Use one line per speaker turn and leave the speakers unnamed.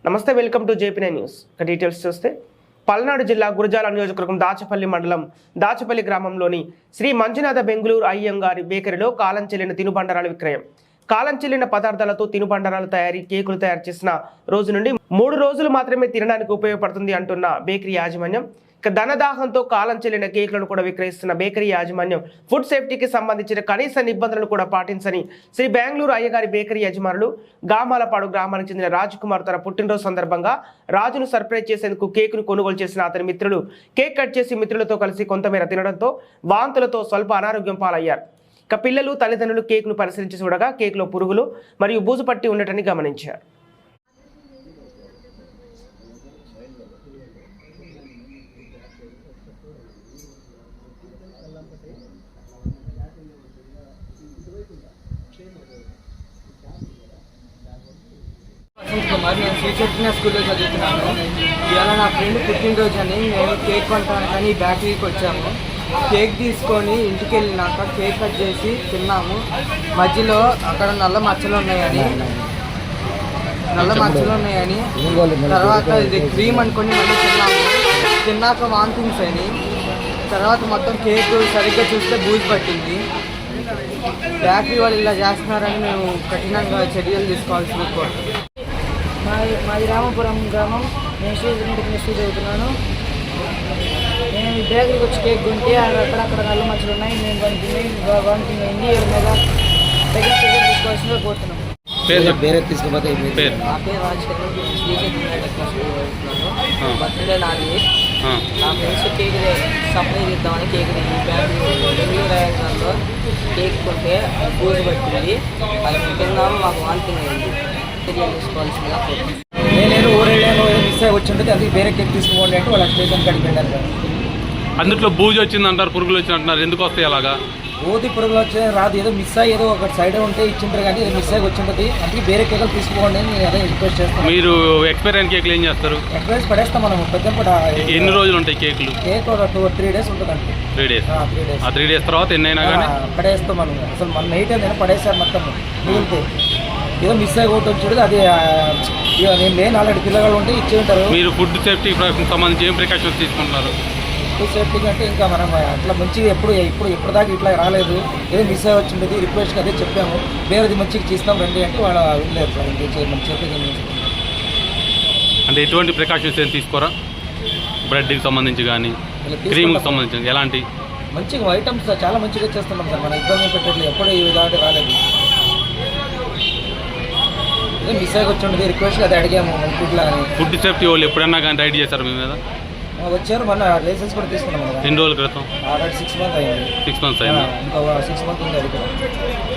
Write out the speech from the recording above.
నమస్తే, welcome to జేపీ9 news. Details చూస్తే పల్నాడు జిల్లా గురజాల నియోజకవర్గం దాచపల్లి మండలం దాచపల్లి గ్రామంలోని శ్రీ మంజునాథ బెంగుళూరు అయ్యంగారి బేకరీలో కాలం చెల్లిన తినుబండారాల విక్రయం. కాలం చెల్లిన పదార్థాలతో తినుబండారాల తయారీ, కేకులు తయారు చేసిన రోజు నుండి 3 రోజులు మాత్రమే తినడానికి ఉపయోగపడుతుంది అంటున్న బేకరీ యాజమాన్యం. ఇక ధనదాహంతో కాలం చెల్లిన కేకులను కూడా విక్రయిస్తున్న బేకరీ యాజమాన్యం ఫుడ్ సేఫ్టీకి సంబంధించిన కనీస నిబంధనలు కూడా పాటించని శ్రీ బెంగుళూరు అయ్యగారి బేకరీ యజమానులు గామాలపాడు గ్రామానికి చెందిన రాజ్కుమార్ తన పుట్టినరోజు సందర్భంగా రాజును సర్ప్రైజ్ చేసేందుకు కేకును కొనుగోలు చేసిన అతని మిత్రులు కేక్ కట్ చేసి మిత్రులతో కలిసి కొంతమేర తినడంతో వాంతులతో స్వల్ప అనారోగ్యం పాలయ్యారు. ఇక పిల్లలు, తల్లిదండ్రులు కేకును పరిశీలించి చూడగా కేకులో పురుగులు మరియు బూజు పట్టి ఉండటని గమనించారు.
కుమార్, నేను శ్రీచైతన్య స్కూల్లో చదువుతున్నాను. ఇవాళ నా ఫ్రెండ్ పుట్టినరోజు అని మేము కేక్ కొనడానికి బేకరీకి వచ్చాము. కేక్ తీసుకొని ఇంటికి వెళ్ళినాక కేక్ కట్ చేసి తిన్నాము. మధ్యలో అక్కడ నల్ల మచ్చలు ఉన్నాయని తర్వాత ఇది క్రీమ్ అనుకొని మళ్ళీ తిన్నాక వాంతింగ్స్ అని, తర్వాత మొత్తం కేక్ సరిగ్గా చూస్తే బూజు పట్టింది. బేకరీ వాళ్ళు ఇలా చేస్తున్నారని మేము కఠినంగా చర్యలు తీసుకోవాల్సి కోరుతున్నాం.
మాది రామపురం గ్రామం. నేను శ్రీచైతన్య స్కూల్ చదువుతున్నాను. నేను బేకరీకి వచ్చి కేక్ కొంటే అక్కడక్కడ నల్ల మచ్చలు ఉన్నాయి. నేను వామిటింగ్ అయింది. మీద తగిన చర్యలు తీసుకోవాల్సిందిగా కోరుతున్నాను.
నా పేరు రాజశేఖర్. శ్రీచైతన్య స్కూల్ చదువుతున్నాను. బర్త్డే నాది. నా ఫ్రెండ్స్ కేక్ సప్లై చేద్దామని కేక్ బెంగళూరు అయ్యంగారిలో కేక్ కొంటే బూజు పట్టింది. అది తిన్నాము, మాకు వామిటింగ్ అయింది.
నేను ఊరేళ్ళలో మిస్ అయ్యి వచ్చింటుంది, అది వేరే కేక్ తీసుకోండి అంటే వాళ్ళు స్టేషన్ కాడికి వెళ్ళారు.
అందులో బూజు వచ్చింది అంటారు, పురుగులు వచ్చి అంటున్నారు. ఎందుకు వస్తాయి అలాగా?
ఓది పురుగులు వచ్చే రాదు, ఏదో మిస్ అయ్యి ఏదో ఒక సైడ్ ఉంటే ఇచ్చింటారు, కానీ మిస్ అయ్యి వచ్చింటుంది. అందుకే వేరే కేకులు తీసుకోండి అని నేను అదే రిక్వెస్ట్ చేస్తాను.
మీరు ఎక్స్పైర్ అయిన కేకులు ఏం చేస్తారు?
ఎక్స్పైరీస్ పడేస్తాం మనం. పెద్ద
ఎన్ని రోజులు ఉంటాయి కేకులు?
కేక్ ఒక 3 days ఉంటుందండి.
3 days. ఆ 3 days తర్వాత ఎన్నైనా కానీ
పడేస్తాం మనం. అసలు మన నైట్ నేను పడేసారు మొత్తం మిగిలితే. ఏదో మిస్ అయ్యి ఒకటి వచ్చి అది నేను లేని ఆల్రెడీ పిల్లలు ఉంటే ఇచ్చి ఉంటారు.
మీరు ఫుడ్ సేఫ్టీ సంబంధించి ఏం ప్రికాషన్స్ తీసుకుంటున్నారు?
ఫుడ్ సేఫ్టీ అంటే ఇంకా మనం అట్లా మంచిగా ఎప్పుడు దాకా ఇట్లా రాలేదు, ఏదో మిస్ అయ్యి వచ్చింది. రిక్వెస్ట్గా అదే చెప్పాము, వేరేది మంచిగా చేస్తాం రండి అంటే వాళ్ళు వెళ్ళలేదు సార్. ఇంకేం చెప్పేది
అంటే ఎటువంటి ప్రికాషన్స్ ఏం తీసుకోరా? బ్రెడ్కి సంబంధించి కానీ క్రీమ్కి సంబంధించి ఎలాంటి
మంచిగా ఐటమ్స్ చాలా మంచిగా చేస్తున్నాం సార్. మన ఇబ్బంది పెట్టలేదు, ఎప్పుడు ఇలాంటి రాలేదు. మిస్ అయ్యి వచ్చి ఉండేది, రిక్వెస్ట్ అది అడిగాము.
ఫుడ్ సేఫ్టీ వాళ్ళు ఎప్పుడన్నా కానీ రైడ్ చేశారు మీ మీద?
వచ్చారు, మన లైసెన్స్ కూడా తీసుకున్నాం.
ఎన్ని రోజుల క్రితం?
6 months అయింది.
6 months అయింది.
ఇంకా 6 months ఉంది అది కూడా.